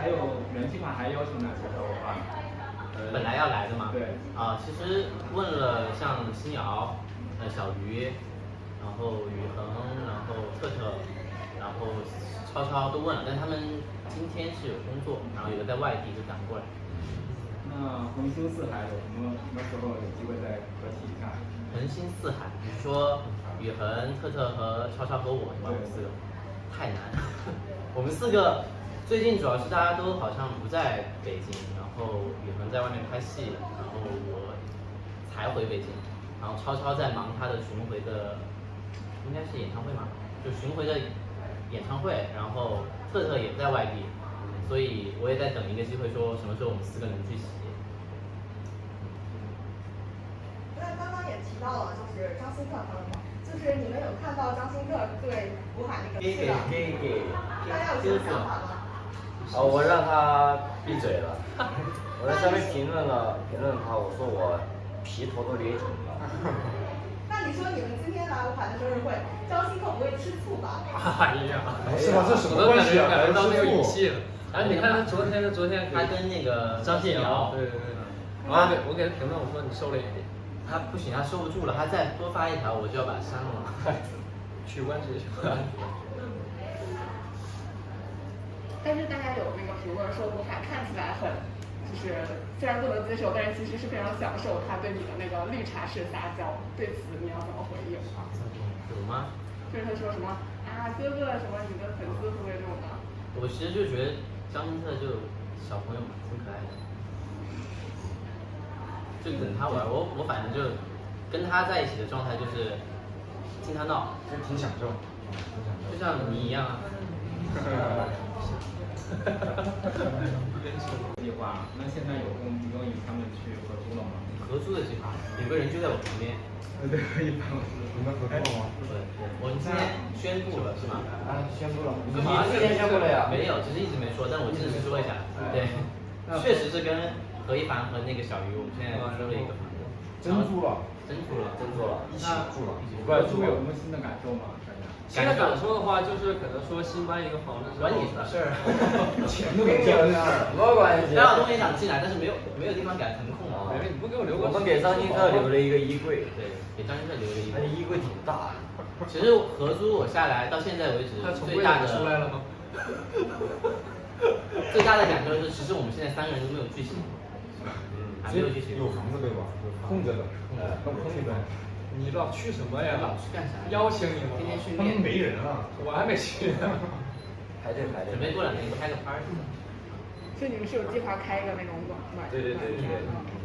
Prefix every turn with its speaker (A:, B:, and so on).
A: 有原计划还要求哪些合伙方？
B: 本来要来的嘛。
A: 对。
B: 其实问了像新瑶、小鱼，然后宇恒，然后特特，然后超超都问了，但他们今天是有工作，然后有的在外地就赶不过来。
A: 那恒星四海有什么时候有机会再合体一下？
B: 恒星四海，你是说宇恒、特特和超超和我是吧？我们四个太难。我们四个最近主要是大家都好像不在北京，然后宇恒在外面拍戏，然后我才回北京，然后超超在忙他的巡回的，应该是演唱会嘛，就巡回的演唱会，然后特特也在外地，所以我也在等一个机会，说什么时候我们四个能聚齐。
C: 那刚刚也提到了，就是张新克朋友们，就是你们有看到张新克对吴海那个事的，大家有什么想法吗？
D: 我让他闭嘴了。我在上面评论他，我说我皮头都捏紧了。
C: 那你说你们今天来吴海的生日会，张新克不会吃醋吧？
E: 哎呀，
D: 是吧？这什么
E: 我都
D: 关系啊？
E: 感觉到那个语气了。
B: 然后
E: 你看他昨天
B: 他跟那个张信尧，
E: 对，我给他评论，我说你瘦了一点。
B: 他不行，他收不住了，他再多发一条，我就要把他删了。
E: 取关直接取关。
F: 但是大家有那个评论说吴海看起来很，就是虽然不能接受，但是其实是非常享受他对你的那个绿茶式撒娇。对此你要怎么回应？
B: 有吗？
F: 就是他说什么啊哥哥什么你的粉丝会不会这种的？
B: 我其实就觉得张新特就小朋友嘛，挺可爱的。就等他玩，我反正就跟他在一起的状态就是听他闹，
D: 就挺享受，
B: 就像你一样啊。
A: 计划，那现在有跟与他们去合租了吗？
B: 合租的计划，有个人就在我旁边。
A: 对，可以帮我。
D: 你们合作了吗？
B: 对，我们今天宣布了是吗？
D: 宣布了。
B: 你
D: 之前宣布了呀？
B: 没有，只是一直没说，但我正式说一下。对，确实是跟何一凡和那个小鱼，我们现在租了一个房子。
D: 真租了，一起住了。
A: 合租有什么新的感受吗？
E: 新的感受的话，就是可能说新搬一个房子，
B: 管你的事儿，
D: 钱都没交呢，什么关系？
B: 还有东西想进来，但是没有地方给他腾空啊。
E: 你不给我留个？
D: 我们给张新特留了一个衣柜，
B: 对，给张新特留了一个。
D: 那衣柜挺大。
B: 其实合租我下来到现在为止，最大的
E: 出来了吗？
B: 最大的感受是，其实我们现在三个人都没有聚齐，还没有聚齐。
D: 有房子对吧？空着的，空着。
E: 你老去什么呀？
B: 老去干啥？
E: 邀请你了。
B: 天天训
D: 他们
B: 练。
D: 没人啊，
E: 我还没去呢。
D: 排队。
B: 准备过2年开个 party。
F: 所以你们是有计划开一个那种晚？
D: 对。